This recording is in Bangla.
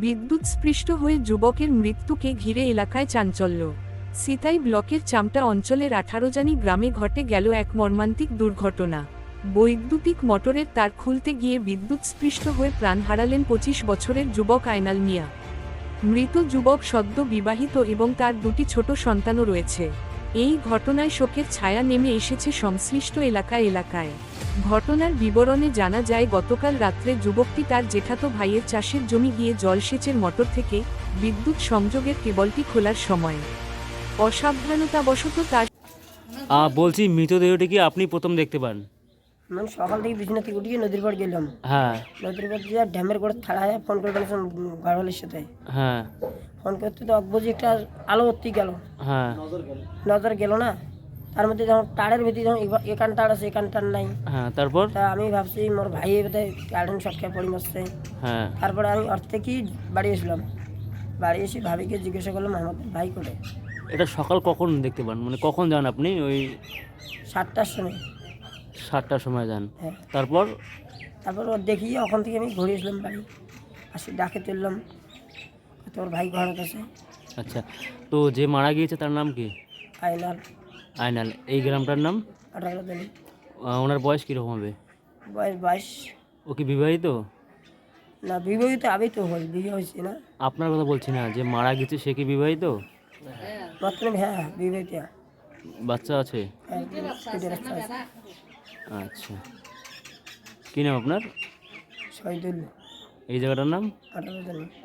বিদ্যুৎস্পৃষ্ট হয়ে যুবকের মৃত্যুকে ঘিরে এলাকায় চাঞ্চল্য। সিতাই ব্লকের চামটা অঞ্চলের 18জানি গ্রামে ঘটে গেল এক মর্মান্তিক দুর্ঘটনা। বৈদ্যুতিক মোটরের তার খুলতে গিয়ে বিদ্যুৎস্পৃষ্ট হয়ে প্রাণ হারালেন 25 বছরের যুবক আয়নাল মিয়া। মৃত যুবক সদ্য বিবাহিত এবং তার দুটি ছোট সন্তানও রয়েছে। এই ঘটনায় শোকের ছায়া নেমে এসেছে সংশ্লিষ্ট এলাকায়। ঘটনার বিবরণে জানা যায়, গতকাল রাত্রে যুবকটি তার জেঠাতো ভাইয়ের চাষের জমি গিয়ে জলসেচের মোটর থেকে বিদ্যুৎ সংযোগের কেবলটি খোলার সময় অসাবধানতাবশত তার বলছি, মৃতদেহটি কি আপনি প্রথম দেখতে পান? আমি সকাল থেকে বিছানা থেকে উঠিয়ে নদীর পাড় গেলাম। হ্যাঁ নদীর পাড় দিয়ে ড্যামের করে ছাড়ায় ফোন করে বলেছিলাম গাড়ওয়ালের সাথে। হ্যাঁ ফোন করতে তো অকবজি একটা আলো অতি গেল, হ্যাঁ নজর গেল না। তার মধ্যে যখন তারের ভিতরে যখন এখান তার আছে এখান তার নাই। হ্যাঁ তারপর? তা আমি ভাবছি মোর ভাই বোধহয় কারেন্ট শর্ট খেয়ে পড়ে মরছে। হ্যাঁ তারপরে আমি ওর থেকেই বাড়ি এসলাম। বাড়ি এসে ভাবিকে জিজ্ঞাসা করলাম আমাদের ভাই করে। এটা সকাল কখন দেখতে পান, মানে কখন যান আপনি? ওই 7টার সময়। 7টার সময় যান। হ্যাঁ, তারপর? তারপর ওর দেখিয়ে ওখান থেকে আমি ঘুরে আসলাম বাড়ি। আসি ডাকে তুললাম, তোর ভাই ঘর আছে। আচ্ছা, তো যে মারা গিয়েছে তার নাম কি? আয়নাল। আয়নাল। এই গ্রামটার নাম? 18 দিন। ওনার বয়স কীরকম হবে? বয়স 22। ও কি বিবাহিত? না, বিবাহিত আমি তো হই, বিয়ে হয়েছে না। আপনার কথা বলছি না, যে মারা গেছে সে কি বিবাহিত? মাত্র হ্যাঁ বিবাহিত। বাচ্চা আছে? হ্যাঁ, দুটো বাচ্চা আছে। আচ্ছা, কী নাম আপনার? শহীদুল। এই জায়গাটার নাম? 18 দিন।